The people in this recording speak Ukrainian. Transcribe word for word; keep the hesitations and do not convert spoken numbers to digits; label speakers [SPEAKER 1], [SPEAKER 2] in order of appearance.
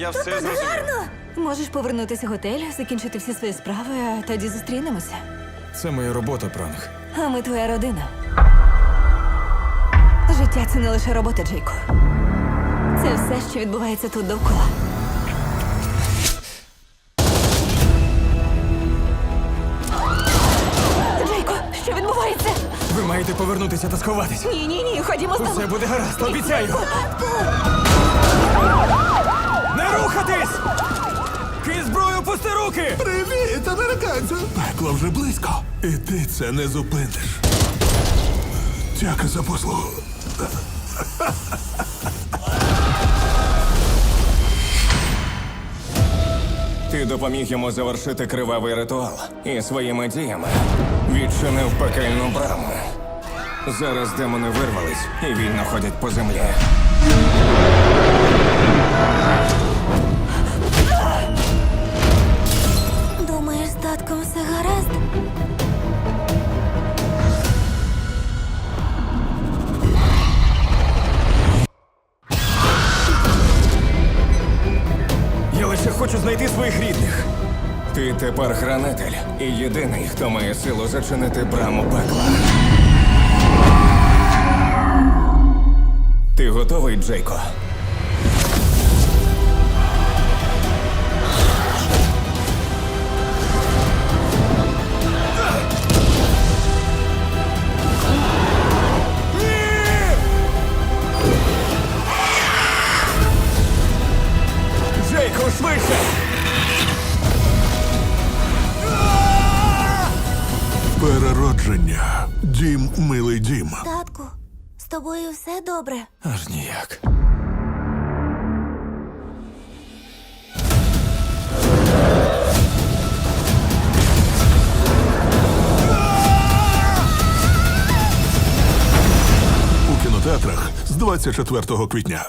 [SPEAKER 1] я все зрозумів.
[SPEAKER 2] Можеш повернутися в готель, закінчити всі свої справи, а тоді зустрінемося.
[SPEAKER 3] Це моя робота, Пранк.
[SPEAKER 2] А ми твоя родина. Життя – це не лише робота, Джейко. Це все, що відбувається тут довкола. Джейко, що відбувається?
[SPEAKER 3] Ви маєте повернутися та сховатись.
[SPEAKER 2] Ні, ні, ні, ходімо з тобою.
[SPEAKER 3] Усе буде гаразд, обіцяю. Не рухатись! Ки зброю, пусти руки!
[SPEAKER 4] Привіт, американцю! Пекло вже близько. І ти це не зупиниш. Дяка за послугу.
[SPEAKER 5] Ти допоміг йому завершити кривавий ритуал і своїми діями відчинив пекельну браму. Зараз демони вирвались і вільно ходять по землі.
[SPEAKER 2] Думаєш, з татком все гаразд?
[SPEAKER 3] Я лише хочу знайти своїх рідних.
[SPEAKER 5] Ти тепер хранитель і єдиний, хто має силу зачинити браму пекла. Ти готовий, Джейко?
[SPEAKER 3] Джейко, швидше!
[SPEAKER 4] Переродження. Дім, милий дім.
[SPEAKER 2] Татку, з тобою все добре?
[SPEAKER 3] Аж ніяк.
[SPEAKER 4] У кінотеатрах з двадцять четвертого квітня.